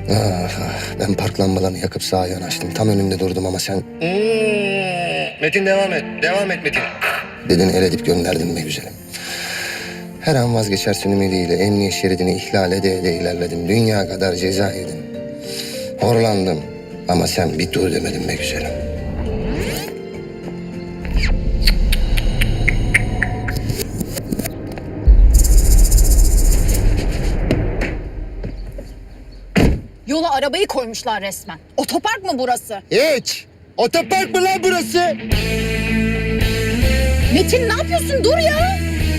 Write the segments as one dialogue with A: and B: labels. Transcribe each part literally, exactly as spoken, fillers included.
A: Ah, ah, ben park lambalarını yakıp sağa yanaştım. Tam önünde durdum ama sen... Hmm, Metin devam et, devam et Metin. Dedin el edip gönderdim be güzelim. Her an vazgeçersin ümidiyle emniyet şeridini ihlal ede ede ilerledim. Dünya kadar ceza yedim. Horlandım ama sen bir dur demedin be güzelim.
B: Yola arabayı koymuşlar resmen. Otopark mı burası?
A: Hiç! Otopark mı lan burası?
B: Metin ne yapıyorsun? Dur ya!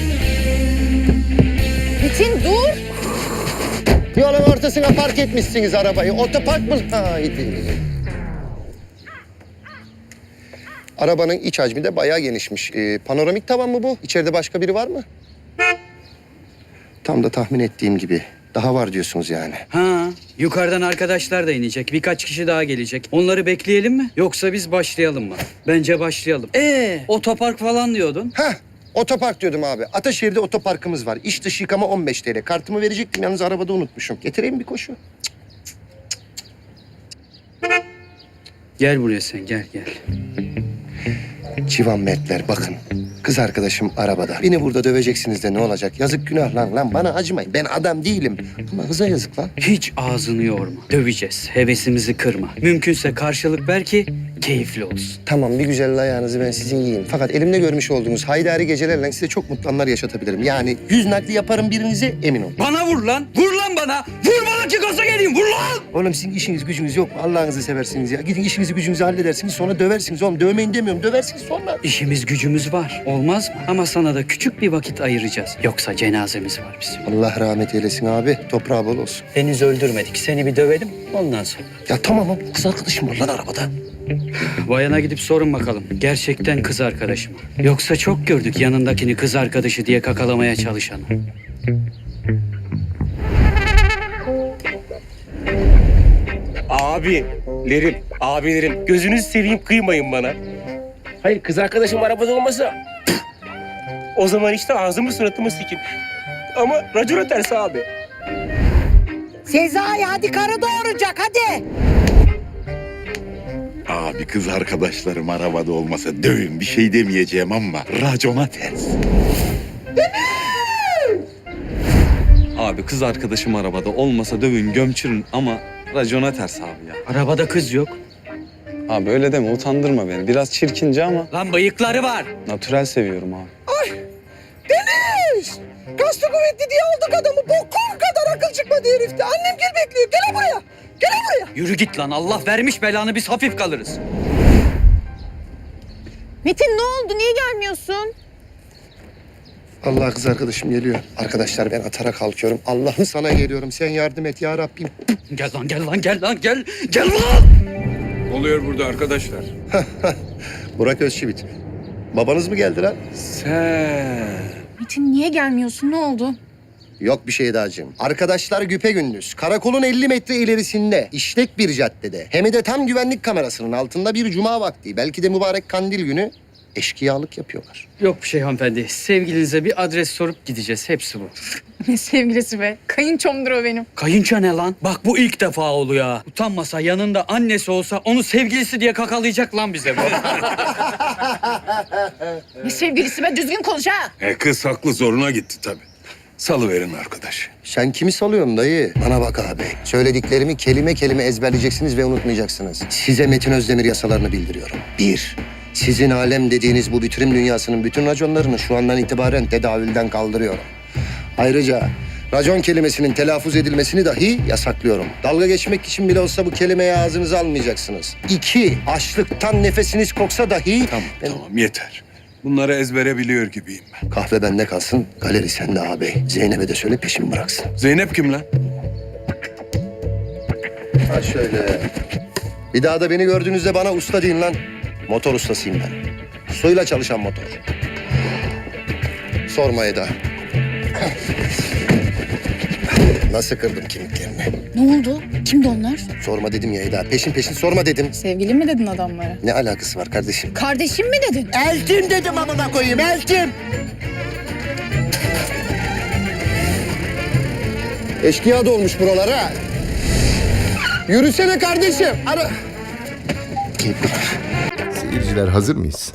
B: Metin dur!
A: Yolun ortasına park etmişsiniz arabayı. Otopark mı? Haydi. Arabanın iç hacmi de bayağı genişmiş. Ee, panoramik tavan mı bu? İçeride başka biri var mı? Tam da tahmin ettiğim gibi. Daha var diyorsunuz yani.
C: Ha, yukarıdan arkadaşlar da inecek. Birkaç kişi daha gelecek. Onları bekleyelim mi? Yoksa biz başlayalım mı? Bence başlayalım. Ee, otopark falan diyordun.
A: Heh, otopark diyordum abi. Ataşehir'de otoparkımız var. İç dış yıkama on beş TL. Kartımı verecektim yalnız arabada unutmuşum. Getireyim bir koşu.
C: Gel buraya sen, gel gel.
A: Civan Mertler bakın. Kız arkadaşım arabada. Beni burada döveceksiniz de ne olacak? Yazık günah lan lan bana acımayın. Ben adam değilim. Ama kıza yazık lan.
C: Hiç ağzını yorma. Döveceğiz. Hevesimizi kırma. Mümkünse karşılık ver ki keyifli olsun.
A: Tamam bir güzel ayağınızı ben sizin yiyeyim. Fakat elimde görmüş olduğunuz haydari gecelerle size çok mutlu anlar yaşatabilirim. Yani yüz nakli yaparım birinize emin olun.
C: Bana vur lan! Vur lan bana! Vur bana ki gaza geleyim! Vur lan!
A: Oğlum sizin işiniz gücünüz yok mu? Allah'ınızı seversiniz ya. Gidin işinizi gücünüzü halledersiniz sonra döversiniz oğlum. Dövmeyin demiyorum döversiniz sonra.
C: İşimiz gücümüz var. Olmaz mı? Ama sana da küçük bir vakit ayıracağız. Yoksa cenazemiz var bizim.
A: Allah rahmet eylesin abi. Toprağı bol olsun.
C: Henüz öldürmedik. Seni bir dövelim ondan sonra.
A: Ya tamam ama kız arkadaşım var lan arabada.
C: Bayana gidip sorun bakalım. Gerçekten kız arkadaşı mı? Yoksa çok gördük yanındakini kız arkadaşı diye kakalamaya çalışanı.
D: Abilerim, abilerim gözünüzü seveyim kıymayın bana. Hayır kız arkadaşım arabada olmasa o zaman işte ağzımı suratımı sikin. Ama racona ters abi.
E: Sezai hadi karı doğuracak hadi.
F: Abi kız arkadaşlarım arabada olmasa dövün bir şey demeyeceğim ama racona ters.
G: Abi kız arkadaşım arabada olmasa dövün gömçürün ama racona ters abi ya.
C: Arabada kız yok.
G: Abi öyle deme utandırma beni. Biraz çirkince ama
C: Lan bıyıkları var.
G: natürel seviyorum abi.
E: Deniz! Kaslı kuvvetli diye aldık adamı. Bokum kadar akıl çıkmadı herifte. Annem gel bekliyor. Gel buraya. Gel buraya.
C: Yürü git lan. Allah vermiş belanı biz hafif kalırız.
B: Metin ne oldu? Niye gelmiyorsun?
A: Allah kız arkadaşım geliyor. Arkadaşlar ben atara kalkıyorum. Allah'ım sana geliyorum. Sen yardım et ya Rabbim.
C: Gel lan gel lan gel lan gel. Gel lan.
H: Ne oluyor burada arkadaşlar?
A: Burak Özçivit. Babanız mı geldi lan?
H: Sen.
B: Metin niye gelmiyorsun? Ne oldu?
A: Yok bir şey dacığım. Arkadaşlar güpegündüz. Karakolun elli metre ilerisinde. işlek bir caddede. Hem de tam güvenlik kamerasının altında bir cuma vakti. Belki de mübarek kandil günü eşkıyalık yapıyorlar.
C: Yok bir şey hanımefendi. Sevgilinize bir adres sorup gideceğiz. Hepsi bu.
B: Ne sevgilisi be? Kayınçomdur o benim.
C: Kayınço ne lan? Bak bu ilk defa oluyor ha. Utanmasa yanında annesi olsa onu sevgilisi diye kakalayacak lan bize bu.
B: Ne sevgilisi be? Düzgün konuş ha.
H: E kız haklı zoruna gitti tabii. Salıverin arkadaş.
A: Sen kimi salıyorsun dayı? Bana bak abi. Söylediklerimi kelime kelime ezberleyeceksiniz ve unutmayacaksınız. Size Metin Özdemir yasalarını bildiriyorum. Bir, sizin alem dediğiniz bu bitirim dünyasının bütün raconlarını şu andan itibaren tedavülden kaldırıyorum. Ayrıca racon kelimesinin telaffuz edilmesini dahi yasaklıyorum. Dalga geçmek için bile olsa bu kelimeyi ağzınıza almayacaksınız. İki, açlıktan nefesiniz koksa dahi...
H: Tamam
A: Ben-
H: tamam yeter. Bunları ezbere biliyor gibiyim ben.
A: Kahve bende kalsın, galeri sende ağabey. Zeynep'e de söyle peşimi bıraksın.
H: Zeynep kim lan?
A: Ha şöyle. Bir daha da beni gördüğünüzde bana usta deyin lan. Motor ustasıyım ben. Suyla çalışan motor. Sorma Eda. Nasıl kırdım kemiklerini?
B: Ne oldu? Kimdi onlar?
A: Sorma dedim ya Eda. Peşin peşin sorma dedim.
B: Sevgilin mi dedin adamlara?
A: Ne alakası var kardeşim?
B: Kardeşim mi dedin?
E: Eltim dedim amına koyayım eltim.
A: Eşkıya dolmuş buralara. Yürüsene kardeşim. Ara... Gel buraya.
I: Seyirciler hazır mıyız?